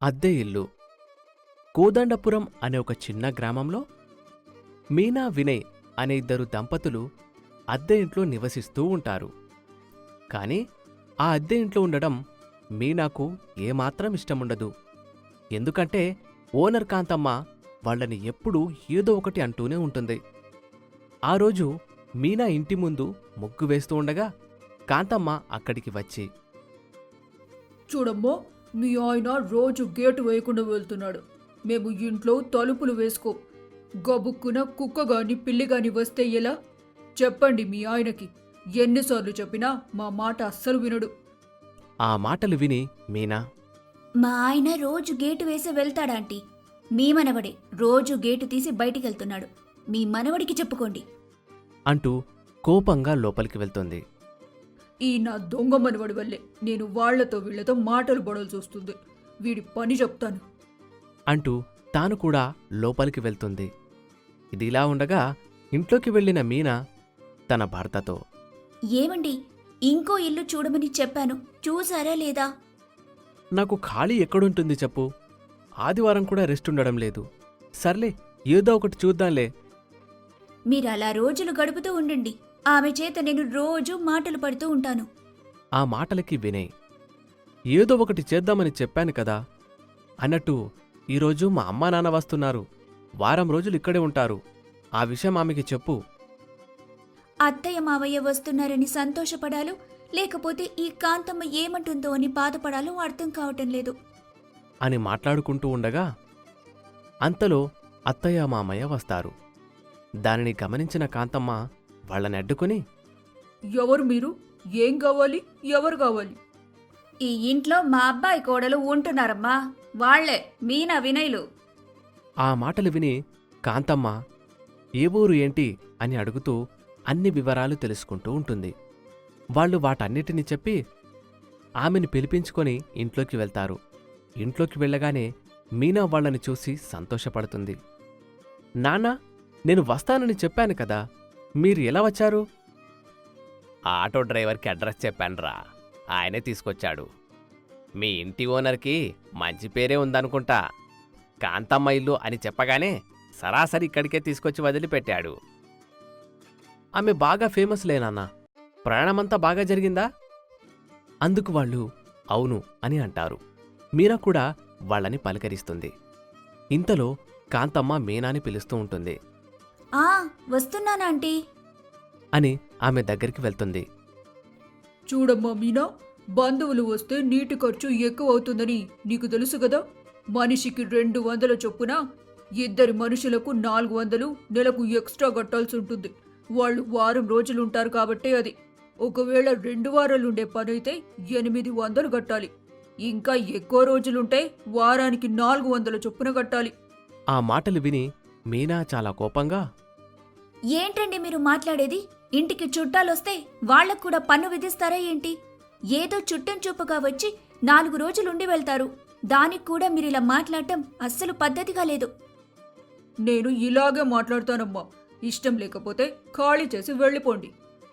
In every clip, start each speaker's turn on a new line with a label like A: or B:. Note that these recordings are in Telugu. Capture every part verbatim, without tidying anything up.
A: అద్దె ఇల్లు. కోదండపురం అనే ఒక చిన్న గ్రామంలో మీనా, వినయ్ అనే ఇద్దరు దంపతులు అద్దె ఇంట్లో నివసిస్తూ ఉంటారు. కాని ఆ అద్దె ఇంట్లో ఉండడం మీనాకు ఏమాత్రం ఇష్టముండదు. ఎందుకంటే ఓనర్ కాంతమ్మ వాళ్ళని ఎప్పుడూ ఏదో ఒకటి అంటూనే ఉంటుంది. ఆ రోజు మీనా ఇంటి ముందు ముగ్గు వేస్తూ ఉండగా కాంతమ్మ అక్కడికి వచ్చి,
B: చూడమ్మో, మీ ఆయన రోజు గేటు వేయకుండా వెళ్తున్నాడు. మేము ఇంట్లో తలుపులు వేసుకో. గబుక్కున కుక్క గాని పిల్లి గాని వస్తే ఎలా? చెప్పండి మీ ఆయనకి. ఎన్నిసార్లు చెప్పినా మా మాట అస్సలు వినడు.
A: ఆ మాటలు విని మీనా,
C: మా ఆయన రోజు గేటు వేసి వెళ్తాడాంటీ. మీ మనవడే రోజు గేటు తీసి బయటికెళ్తున్నాడు. మీ మనవడికి చెప్పుకోండి
A: అంటూ కోపంగా లోపలికి వెళ్తుంది.
B: ఈ నా దొంగ మనవడి వల్లే నేను వాళ్లతో వీళ్లతో మాటలు పడాల్సి వస్తుంది. వీడి పని చెప్తాను
A: అంటూ తాను కూడా లోపలికి వెళ్తుంది. ఇదిలా ఉండగా ఇంట్లోకి వెళ్లిన మీనా తన భర్తతో,
C: ఏమండి, ఇంకో ఇల్లు చూడమని చెప్పాను, చూసారా లేదా?
A: నాకు ఖాళీ ఎక్కడుంటుంది చెప్పు. ఆదివారం కూడా రెస్ట్ ఉండడం లేదు. సర్లే, ఏదో ఒకటి చూద్దాంలే.
C: మీరలా రోజులు గడుపుతూ ఉండండి. ఆమె చేత నేను రోజూ మాటలు పడుతూ ఉంటాను.
A: ఆ మాటలకి వినయ్, ఏదో ఒకటి చేద్దామని చెప్పాను కదా అన్నట్టు ఈరోజు మా అమ్మా నాన్న వస్తున్నారు. వారం రోజులు ఇక్కడే ఉంటారు. ఆ విషయం ఆమెకి చెప్పు.
C: అత్తయ్య మావయ్య వస్తున్నారని సంతోషపడాలో లేకపోతే ఈ కాంతమ్మ ఏమంటుందో అని బాధపడాలో అర్థం కావటం లేదు
A: అని మాట్లాడుకుంటూ ఉండగా అంతలో అత్తయ్య మామయ్య వస్తారు. దానిని గమనించిన కాంతమ్మ వాళ్ళని అడ్డుకుని,
B: ఎవరు మీరు? ఏం కావాలి? ఎవరు కావాలి?
C: ఈ ఇంట్లో మా అబ్బాయి కోడలు ఉంటున్నారమ్మా. వాళ్లే మీనా, వినయ్లు.
A: ఆ మాటలు విని కాంతమ్మ ఏ ఊరు ఏంటి అని అడుగుతూ అన్ని వివరాలు తెలుసుకుంటూ ఉంటుంది. వాళ్ళు వాటన్నిటినీ చెప్పి ఆమెను పిలిపించుకొని ఇంట్లోకి వెళ్తారు. ఇంట్లోకి వెళ్ళగానే మీనా వాళ్ళని చూసి సంతోషపడుతుంది. నాన్నా, నేను వస్తానని చెప్పాను కదా, మీరు ఎలా వచ్చారు? ఆటో డ్రైవర్కి అడ్రస్ చెప్పానురా, ఆయనే తీసుకొచ్చాడు. మీ ఇంటి ఓనర్కి మంచి పేరే ఉందనుకుంటా. కాంతమ్మ ఇల్లు అని చెప్పగానే సరాసరి ఇక్కడికే తీసుకొచ్చి వదిలిపెట్టాడు. ఆమె బాగా ఫేమస్ లేనన్నా, ప్రయాణమంతా బాగా జరిగిందా? అందుకు వాళ్ళు అవును అని అంటారు. మీనా కూడా వాళ్ళని పలకరిస్తుంది. ఇంతలో కాంతమ్మ మీనాని పిలుస్తూ ఉంటుంది.
C: ఆ వస్తున్నానాంటీ
B: అని ఆమె దగ్గరికి వెళ్తుంది. చూడమ్మా మీనా, బంధువులు వస్తే నీటి ఖర్చు ఎక్కువ అవుతుందని నీకు తెలుసు కదా. మనిషికి రెండు వందల చొప్పున ఇద్దరి మనుషులకు నాలుగు వందలు నెలకు ఎక్స్ట్రా కట్టాల్సి ఉంటుంది. వాళ్ళు వారం రోజులుంటారు కాబట్టి అది. ఒకవేళ రెండు వారాలుండే పనైతే ఎనిమిది వందలు కట్టాలి. ఇంకా ఎక్కువ రోజులుంటే వారానికి నాలుగు వందల చొప్పున కట్టాలి.
A: ఆ మాటలు విని మీనా చాలా కోపంగా,
C: ఏంటండి మీరు మాట్లాడేది? ఇంటికి చుట్టాలొస్తే వాళ్లకు కూడా పన్ను విధిస్తారా ఏంటి? ఏదో చుట్టం చూపుగా వచ్చి నాలుగు రోజులుండి వెళ్తారు. దానికి కూడా మీరిలా మాట్లాడటం అస్సలు పద్ధతిగా లేదు.
B: నేను ఇలాగే మాట్లాడతానమ్మా. ఇష్టం లేకపోతే ఖాళీ చేసి వెళ్ళిపోండి.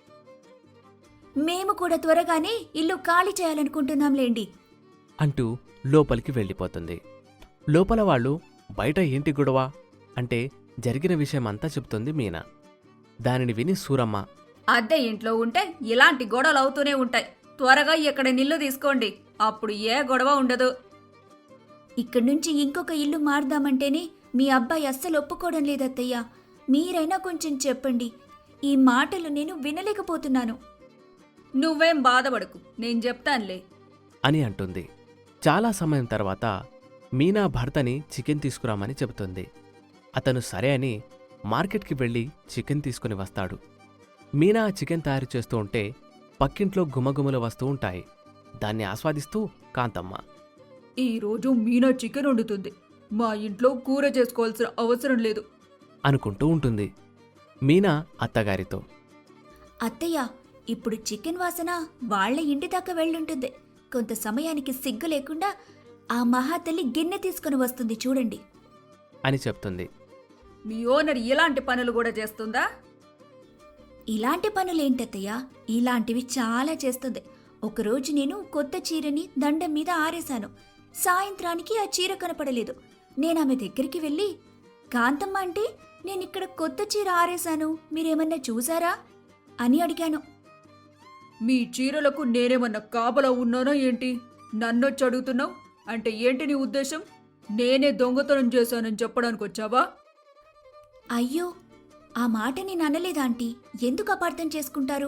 C: మేము కూడా త్వరగానే ఇల్లు ఖాళీ చేయాలనుకుంటున్నాంలేండి
A: అంటూ లోపలికి వెళ్ళిపోతుంది. లోపల వాళ్ళు బయట ఏంటి గొడవ అంటే జరిగిన విషయమంతా చెప్తుంది మీనా. దానిని విని సూరమ్మ,
C: అద్దె ఇంట్లో ఉంటే ఇలాంటి గొడవలు అవుతూనే ఉంటాయి. త్వరగా ఇక్కడ నిల్లు తీసుకోండి, అప్పుడు ఏ గొడవ ఉండదు. ఇక్కడి నుంచి ఇంకొక ఇల్లు మారుదామంటేనే మీ అబ్బాయి అస్సలు ఒప్పుకోవడం లేదత్తయ్యా. మీరైనా కొంచెం చెప్పండి. ఈ మాటలు నేను వినలేకపోతున్నాను.
B: నువ్వేం బాధపడకు, నేను చెప్తానులే
A: అని అంటుంది. చాలా సమయం తర్వాత మీనా భర్తని చికెన్ తీసుకురామని చెబుతుంది. అతను సరే అని మార్కెట్కి వెళ్ళి చికెన్ తీసుకుని వస్తాడు. మీనా చికెన్ తయారు చేస్తూ ఉంటే పక్కింట్లో గుమగుమలు వస్తూ ఉంటాయి. దాన్ని ఆస్వాదిస్తూ కాంతమ్మ,
B: ఈరోజు మీనా చికెన్ వండుతుంది. మా ఇంట్లో కూర చేసుకోవాల్సిన అవసరం లేదు
A: అనుకుంటూ ఉంటుంది. మీనా అత్తగారితో,
C: అత్తయ్య, ఇప్పుడు చికెన్ వాసన వాళ్ల ఇంటి దాకా వెళ్ళుంటుంది. కొంత సమయానికి సిగ్గు లేకుండా ఆ మహాతల్లి గిన్నె తీసుకుని వస్తుంది చూడండి
A: అని చెప్తుంది.
B: మీ ఓనర్ ఇలాంటి పనులు కూడా చేస్తుందా?
C: ఇలాంటి పనులేంటత్తయ్య, ఇలాంటివి చాలా చేస్తుంది. ఒకరోజు నేను కొత్త చీరని దండం మీద ఆరేశాను. సాయంత్రానికి ఆ చీర కనపడలేదు. నేనామె దగ్గరికి వెళ్ళి, కాంతమ్మ అంటే నేనిక్కడ కొత్త చీర ఆరేశాను, మీరేమన్నా చూసారా అని అడిగాను.
B: మీ చీరలకు నేనేమన్నా కాపలా ఉన్నానా ఏంటి? నన్నొచ్చి అడుగుతున్నావు అంటే ఏంటి నీ ఉద్దేశం? నేనే దొంగతనం చేశానని చెప్పడానికి వచ్చావా?
C: అయ్యో, ఆ మాట నేను అనలేదా ఆంటీ, ఎందుకు అపార్థం చేసుకుంటారు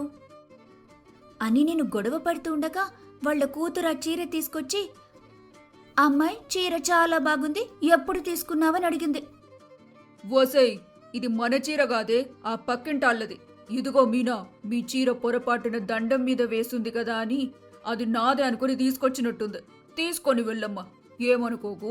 C: అని నేను గొడవ పడుతూ ఉండగా వాళ్ళ కూతురు ఆ చీర తీసుకొచ్చి, అమ్మాయి చీర చాలా బాగుంది, ఎప్పుడు తీసుకున్నావని అడిగింది.
B: ఓసేయ్, ఇది మన చీర కాదే, ఆ పక్కింటాళ్ళది. ఇదిగో మీనా, మీ చీర పొరపాటున దండం మీద వేసుంది కదా అని అది నాదే అనుకుని తీసుకొచ్చినట్టుంది. తీసుకొని వెళ్ళమ్మా, ఏమనుకోకు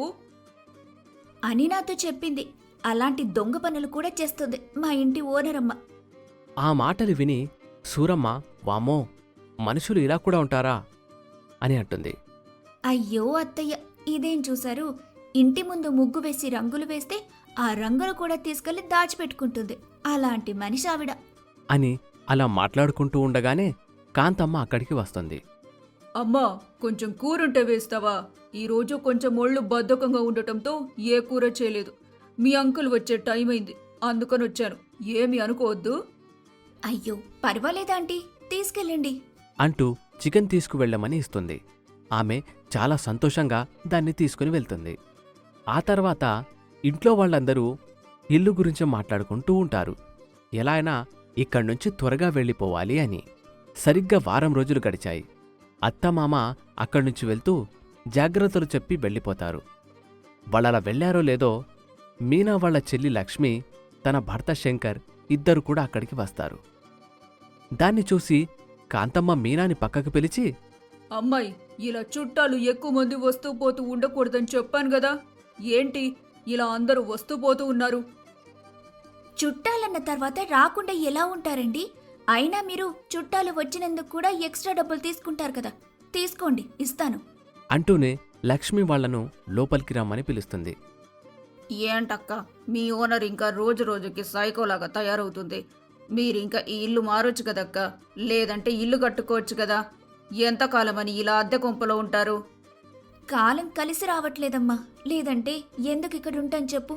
C: అని నాతో చెప్పింది. అలాంటి దొంగ పనులు కూడా చేస్తుంది మా ఇంటి ఓనరమ్మ.
A: ఆ మాటలు విని సూరమ్మ వామ్మో, మనుషులు ఇలా కూడా ఉంటారా అని అంటుంది.
C: అయ్యో అత్తయ్య, ఇదేం చూశారు? ఇంటి ముందు ముగ్గు వేసి రంగులు వేస్తే ఆ రంగులు కూడా తీసుకెళ్లి దాచిపెట్టుకుంటుంది. అలాంటి మనిషి ఆవిడ
A: అని అలా మాట్లాడుకుంటూ ఉండగానే కాంతమ్మ అక్కడికి వస్తుంది.
B: అమ్మా, కొంచెం కూరుంటే వేస్తావా? ఈరోజు కొంచెం ఒళ్ళు బద్ధకంగా ఉండటంతో ఏ కూర చేయలేదు. మీ అంకుల్ వచ్చే టైం అయింది, అందుకని వచ్చాను. ఏమి అనుకోవద్దు.
C: అయ్యో పర్వాలేదాంటీ, తీసుకెళ్ళండి
A: అంటూ చికెన్ తీసుకువెళ్ళమని ఇస్తుంది. ఆమె చాలా సంతోషంగా దాన్ని తీసుకుని వెళ్తుంది. ఆ తర్వాత ఇంట్లో వాళ్ళందరూ ఇల్లు గురించి మాట్లాడుకుంటూ ఉంటారు. ఎలా అయినా ఇక్కడ్నుంచి త్వరగా వెళ్ళిపోవాలి అని. సరిగ్గా వారం రోజులు గడిచాయి. అత్తమామ అక్కడ్నుంచి వెళ్తూ జాగ్రత్తలు చెప్పి వెళ్ళిపోతారు. వాళ్ళలా వెళ్లారో లేదో మీనా వాళ్ళ చెల్లి లక్ష్మి, తన భర్త శంకర్ ఇద్దరు కూడా అక్కడికి వస్తారు. దాన్ని చూసి కాంతమ్మ మీనాని పక్కకు పిలిచి,
B: అమ్మాయి, ఇలా చుట్టాలు ఎక్కువ మంది వస్తూ పోతూ ఉండకూడదని చెప్పాను కదా, ఏంటి ఇలా అందరూ వస్తూ పోతూ ఉన్నారు?
C: చుట్టాలన్న తర్వాత రాకుండా ఎలా ఉంటారండి? అయినా మీరు చుట్టాలు వచ్చినందుకు కూడా ఎక్స్ట్రా డబ్బులు తీసుకుంటారు కదా, తీసుకోండి, ఇస్తాను
A: అంటూనే లక్ష్మి వాళ్లను లోపలికి రమ్మని పిలుస్తుంది.
B: ఏంటక్క, మీ ఓనర్ ఇంకా రోజు రోజుకి సైకోలాగా తయారవుతుంది. మీరింకా ఈ ఇల్లు మారొచ్చు కదక్క, లేదంటే ఇల్లు కట్టుకోవచ్చు కదా. ఎంతకాలమని ఇలా అద్దె కొంపలో ఉంటారు?
C: కాలం కలిసి రావట్లేదమ్మా, లేదంటే ఎందుకు ఇక్కడ ఉంటాను చెప్పు.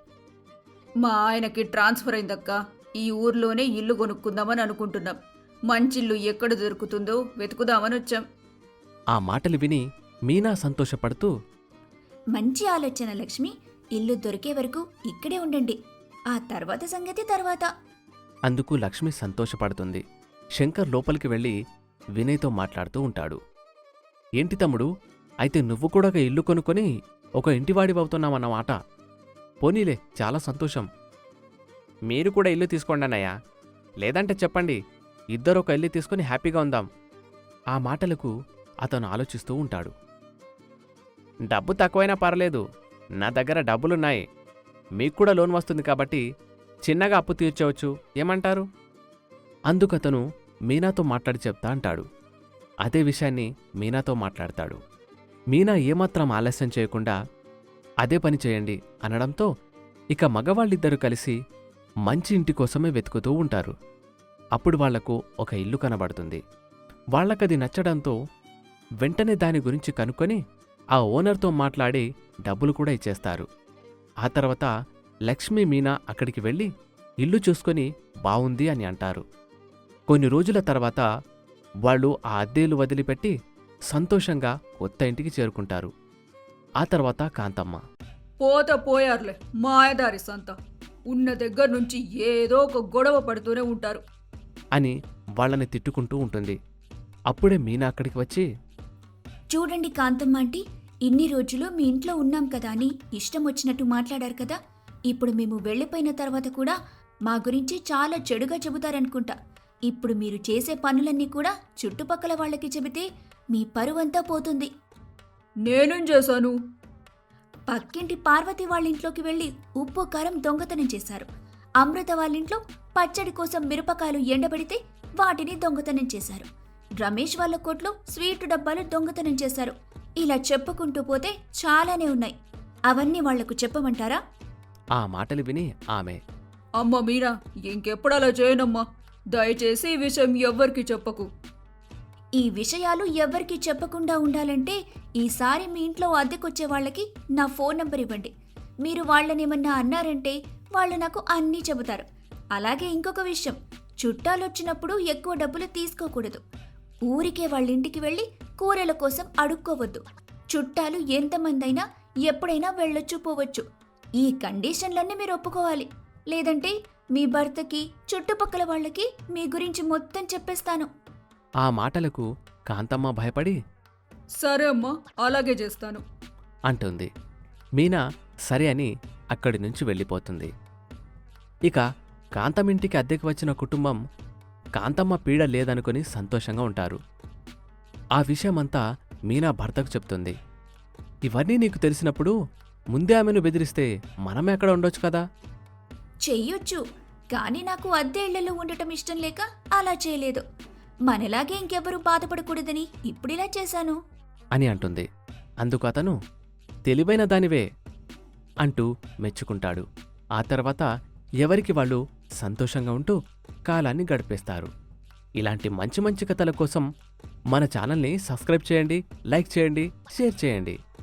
B: మా ఆయనకి ట్రాన్స్ఫర్ అయిందక్క, ఈ ఊర్లోనే ఇల్లు కొనుక్కుందామని అనుకుంటున్నాం. మంచిల్లు ఎక్కడ దొరుకుతుందో వెతుకుదామని వచ్చాం.
A: ఆ మాటలు విని మీనా సంతోషపడుతూ,
C: మంచి ఆలోచన లక్ష్మి, ఇల్లు దొరికే వరకు ఇక్కడే ఉండండి, ఆ తర్వాత సంగతి తర్వాత.
A: అందుకు లక్ష్మి సంతోషపడుతుంది. శంకర్ లోపలికి వెళ్ళి వినయ్తో మాట్లాడుతూ ఉంటాడు. ఏంటి తమ్ముడు, అయితే నువ్వు కూడా ఒక ఇల్లు కొనుక్కొని ఒక ఇంటివాడివవుతున్నావన్నమాట. పోనీలే, చాలా సంతోషం. మీరు కూడా ఇల్లు తీసుకోండి అన్నయ్య, లేదంటే చెప్పండి, ఇద్దరు ఒక ఇల్లు తీసుకుని హ్యాపీగా ఉందాం. ఆ మాటలకు అతను ఆలోచిస్తూ ఉంటాడు. డబ్బు తక్కువైనా పర్లేదు, నా దగ్గర డబ్బులున్నాయి. మీకు కూడా లోన్ వస్తుంది కాబట్టి చిన్నగా అప్పు తీర్చవచ్చు, ఏమంటారు? అందుకతను మీనాతో మాట్లాడి చెప్తా అంటాడు. అదే విషయాన్ని మీనాతో మాట్లాడతాడు. మీనా ఏమాత్రం ఆలస్యం చేయకుండా అదే పని చేయండి అనడంతో ఇక మగవాళ్ళిద్దరూ కలిసి మంచి ఇంటి కోసమే వెతుకుతూ ఉంటారు. అప్పుడు వాళ్లకు ఒక ఇల్లు కనబడుతుంది. వాళ్లకది నచ్చడంతో వెంటనే దాని గురించి కనుక్కొని ఆ ఓనర్తో మాట్లాడి డబ్బులు కూడా ఇచ్చేస్తారు. ఆ తర్వాత లక్ష్మీ మీనా అక్కడికి వెళ్ళి ఇల్లు చూసుకొని బావుంది అని అంటారు. కొన్ని రోజుల తర్వాత వాళ్ళు ఆ అద్దెలు వదిలిపెట్టి సంతోషంగా కొత్త ఇంటికి చేరుకుంటారు. ఆ తర్వాత కాంతమ్మ,
B: పోత పోయారులే మాయదారి సంత, ఉన్న దగ్గర నుంచి ఏదో ఒక గొడవ పడుతూనే ఉంటారు
A: అని వాళ్ళని తిట్టుకుంటూ ఉంటుంది. అప్పుడే మీనా అక్కడికి వచ్చి,
C: చూడండి కాంతమ్మ ఆంటీ, ఇన్ని రోజులు మీ ఇంట్లో ఉన్నాం కదా అని ఇష్టం వచ్చినట్టు మాట్లాడారు కదా, ఇప్పుడు మేము వెళ్ళిపోయిన తర్వాత కూడా మా గురించి చాలా చెడుగా చెబుతారనుకుంటా. ఇప్పుడు మీరు చేసే పనులన్నీ కూడా చుట్టుపక్కల వాళ్ళకి చెబితే మీ పరువంతా పోతుంది.
B: నేనేం చేశాను?
C: పక్కింటి పార్వతి వాళ్ళింట్లోకి వెళ్ళి ఉప్పు కారం దొంగతనం చేశారు. అమృత వాళ్ళింట్లో పచ్చడి కోసం మిరపకాయలు ఎండబెడితే వాటిని దొంగతనం చేశారు. రమేష్ వాళ్ళ కొట్లో స్వీట్ డబ్బాలు దొంగతనం చేశారు. ఇలా చెప్పుకుంటూ పోతే చాలానే ఉన్నాయి. అవన్నీ వాళ్లకు చెప్పమంటారా?
A: ఆ మాటలు విని ఆమె,
B: అమ్మ మీనా, ఇంకెప్పుడు అలా చేయనమ్మా, దయచేసి ఈ విషయం ఎవ్వరికి చెప్పకు.
C: ఈ విషయాలు ఎవ్వరికీ చెప్పకుండా ఉండాలంటే ఈసారి మీ ఇంట్లో అద్దెకొచ్చే వాళ్ళకి నా ఫోన్ నంబర్ ఇవ్వండి. మీరు వాళ్ళనేమన్నా అన్నారంటే వాళ్ళు నాకు అన్నీ చెబుతారు. అలాగే ఇంకొక విషయం, చుట్టాలొచ్చినప్పుడు ఎక్కువ డబ్బులు తీసుకోకూడదు. ఊరికే వాళ్ళ ఇంటికి వెళ్ళి కూరల కోసం అడుక్కోవద్దు. చుట్టాలు ఎంతమందైనా ఎప్పుడైనా వెళ్ళొచ్చు పోవచ్చు. ఈ కండిషన్లన్నీ మీరు ఒప్పుకోవాలి. లేదంటే మీ భర్తకి చుట్టుపక్కల వాళ్ళకి మీ గురించి మొత్తం చెప్పేస్తాను.
A: ఆ మాటలకు కాంతమ్మ భయపడి
B: సరే అమ్మా, అలాగే చేస్తాను.
A: అంటుంది. మీనా సరే అని అక్కడి నుంచి వెళ్ళిపోతుంది. ఇక కాంతమ్మింటికి అద్దెకి వచ్చిన కుటుంబం కాంతమ్మ పీడ లేదనుకుని సంతోషంగా ఉంటారు. ఆ విషయమంతా మీనా భర్తకు చెప్తుంది. ఇవన్నీ నీకు తెలిసినప్పుడు ముందే ఆమెను బెదిరిస్తే మనమే అక్కడ ఉండొచ్చు కదా.
C: చెయ్యొచ్చు, కానీ నాకు అద్దె ఇళ్లలో ఉండటం ఇష్టం లేక అలా చేయలేదు. మనలాగే ఇంకెవరూ బాధపడకూడదని ఇప్పుడిలా చేశాను
A: అని అంటుంది. అందుకు అతను తెలివైన దానివే అంటూ మెచ్చుకుంటాడు. ఆ తర్వాత ఎవరికి వాళ్ళు సంతోషంగా ఉంటూ కాలాన్ని గడిపేస్తారు. ఇలాంటి మంచి మంచి కథల కోసం మన ఛానల్ని సబ్స్క్రైబ్ చేయండి, లైక్ చేయండి, షేర్ చేయండి.